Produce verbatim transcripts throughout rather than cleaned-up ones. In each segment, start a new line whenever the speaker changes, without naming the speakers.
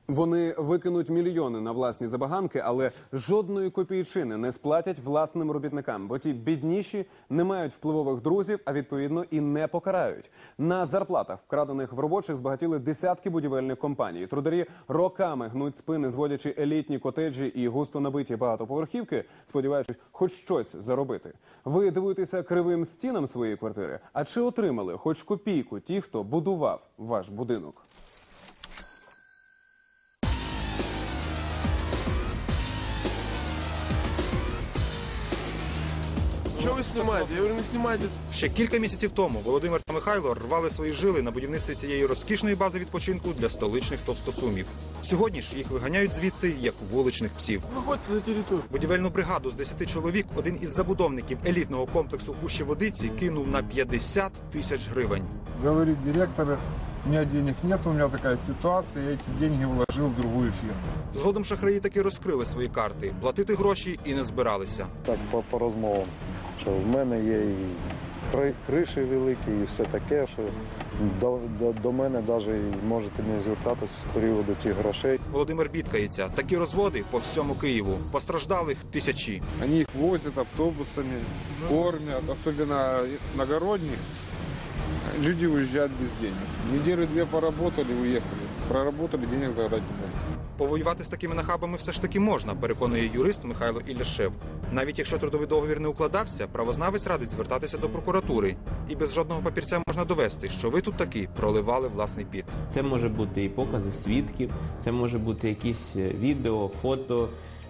Вони викинуть мільйони на власні забаганки, але жодної копійчини не сплатять власним робітникам, бо ті бідніші не мають впливових друзів, а відповідно і не покарають. На зарплатах, вкрадених в робочих, збагатіли десятки будівельних компаній. Трударі роками гнуть спини, зводячи елітні котеджі і густо набиті багатоповерхівки, сподіваючись хоч щось заробити. Ви дивуєтеся кривим стінам своєї квартири? А чи отримали хоч копійку ті, хто будував ваш будинок?
Що ви знімаєте? Я говорю, не знімайте.
Ще кілька місяців тому Володимир та Михайло рвали свої жили на будівництві цієї розкішної бази відпочинку для столичних товстосумів. Сьогодні ж їх виганяють звідси, як вуличних псів.
Виходьте за територію.
Будівельну бригаду з десяти чоловік один із забудовників елітного комплексу Ущеводиці кинув на п'ятдесят тисяч гривень.
Говорит директор, у меня денег нет, у меня такая ситуация, я эти деньги вложил в другую фирму.
Згодом шахраї таки розкрили свої карти. Платити гроші і не збиралися.
Так, по, по розмовам, що в мене є і кри- криші великі, і все таке, що до, до, до мене навіть можете не звертатись з приводу цих грошей.
Володимир бідкається. Такі розводи по всьому Києву. Постраждалих тисячі.
Они их возят автобусами, кормят, особенно иногородних. Люди уезжают без денег. Недели две поработали, уехали. Проработали, денег загадать не могут.
Повоювати з такими нахабами все ж таки можна, переконує юрист Михайло Ілляшев. Навіть якщо трудовий договір не укладався, правознавець радить звертатися до прокуратури. І без жодного папірця можна довести, що ви тут таки проливали власний піт.
Це може бути і покази свідків, це може бути якісь відео, фото,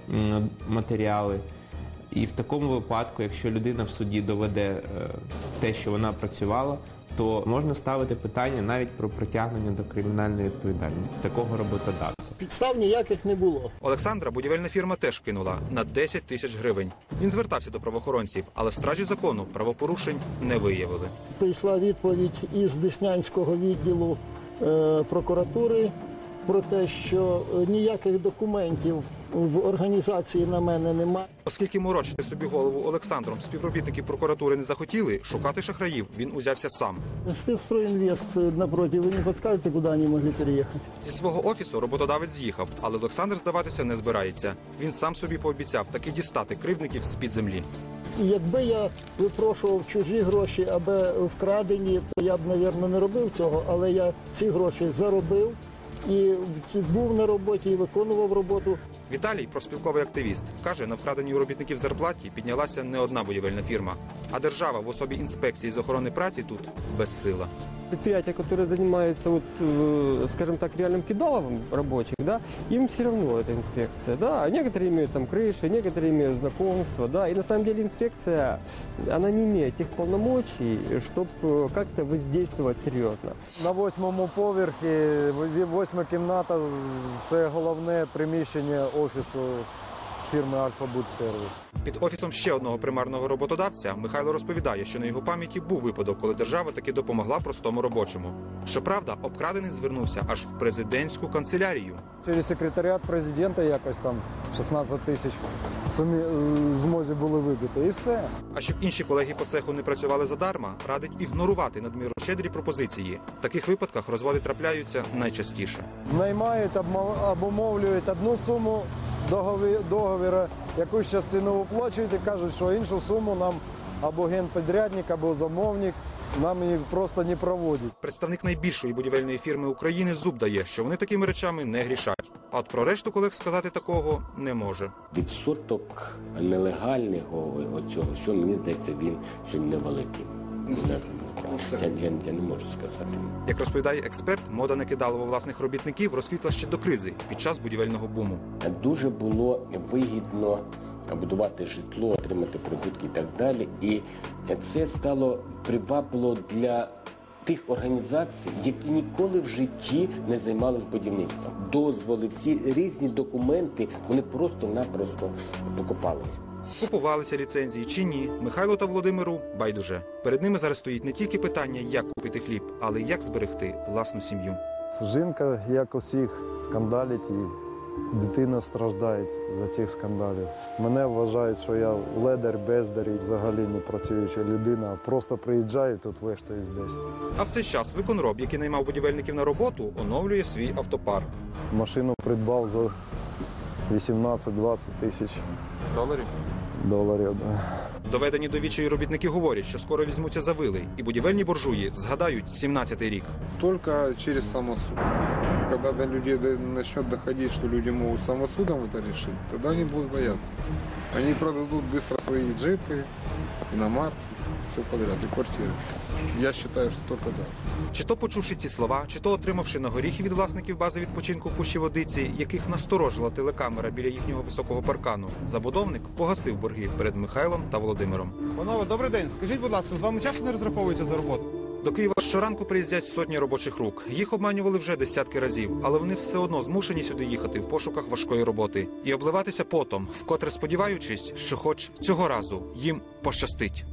м, матеріали. І в такому випадку, якщо людина в суді доведе е, те, що вона працювала, то можна ставити питання навіть про притягнення до кримінальної відповідальності такого роботодавця.
Підстав ніяких не було.
Олександра будівельна фірма теж кинула на десять тисяч гривень. Він звертався до правоохоронців, але стражі закону правопорушень не виявили.
Прийшла відповідь із Деснянського відділу е, прокуратури про те, що ніяких документів в організації на мене немає.
Оскільки морочити собі голову Олександром співробітники прокуратури не захотіли, шукати шахраїв він узявся сам.
Спецстройінвест напроти, ви не підскажете, куди вони могли переїхати?
Зі свого офісу роботодавець з'їхав, але Олександр здаватися не збирається. Він сам собі пообіцяв таки дістати кривдників з-під землі.
І якби я випрошував чужі гроші, аби вкрадені, то я б, мабуть, не робив цього, але я ці гроші заробив. І був на роботі, і виконував роботу.
Віталій, профспілковий активіст, каже, на вкраденій у робітників зарплаті піднялася не одна будівельна фірма. А держава в особі інспекції з охорони праці тут безсила.
Предприятия, которые занимаются, вот, скажем так, реальным кидаловым рабочих, да, им все равно эта инспекция, да. Некоторые имеют там крыши, некоторые имеют знакомства, да. И на самом деле инспекция, она не имеет тех полномочий, чтобы как-то воздействовать серьезно.
На восьмому поверхі, восьма кімната, це головне приміщення офісу фірми «Альфа-Будсервіс».
Під офісом ще одного примарного роботодавця Михайло розповідає, що на його пам'яті був випадок, коли держава таки допомогла простому робочому. Щоправда, обкрадений звернувся аж в президентську канцелярію.
Через секретаріат президента якось там шістнадцять тисяч в змозі були вибити, і все.
А щоб інші колеги по цеху не працювали задарма, радить ігнорувати надмірно щедрі пропозиції. В таких випадках розводи трапляються найчастіше.
Наймають, обумовлюють одну суму договіра, якусь частину виплачують і кажуть, що іншу суму нам або генпідрядник, або замовник нам її просто не проводять.
Представник найбільшої будівельної фірми України зуб дає, що вони такими речами не грішать. А от про решту колег сказати такого не може.
Відсоток нелегального оцього, що мені здається, він сьогодні невеликий. Я, я, я не можу сказати.
Як розповідає експерт, мода на кидалово власних робітників розквітла ще до кризи, під час будівельного буму.
Дуже було вигідно будувати житло, отримати прибутки і так далі. І це стало привабливо для тих організацій, які ніколи в житті не займалися будівництвом. Дозволи, всі різні документи, вони просто-напросто покупалися.
Купувалися ліцензії чи ні, Михайло та Володимиру байдуже. Перед ними зараз стоїть не тільки питання, як купити хліб, але й як зберегти власну сім'ю.
Жінка, як усіх, скандалить і дитина страждає за цих скандалів. Мене вважають, що я ледар, бездар і взагалі не працююча людина. Просто приїжджаю, тут вештаюсь десь.
А в цей час виконроб, який наймав будівельників на роботу, оновлює свій автопарк.
Машину придбав за вісімнадцять-двадцять тисяч
Доларів?
доларів. Да.
Доведені до відчаю робітники говорять, що скоро візьмуться за вили, і будівельні буржуї згадають сімнадцятий рік.
Только через самосуд. Когда до людей до- начнет доходить, что люди могут самосудом это решить, тогда они будут бояться. Они продадут быстро свои джипы, иномарки, все подряд, и квартиры. Я считаю, что только так.
Чи то почувши ці слова, чи то отримавши на горіхи від власників бази відпочинку в Пущі Водиці, яких насторожила телекамера біля їхнього високого паркану, забудовник погасив борги перед Михайлом та Володимиром.
Панове, добрий день. Скажіть, будь ласка, з вами часто не розраховується за роботу?
До Києва щоранку приїздять сотні робочих рук. Їх обманювали вже десятки разів, але вони все одно змушені сюди їхати в пошуках важкої роботи і обливатися потом, вкотре сподіваючись, що хоч цього разу їм пощастить.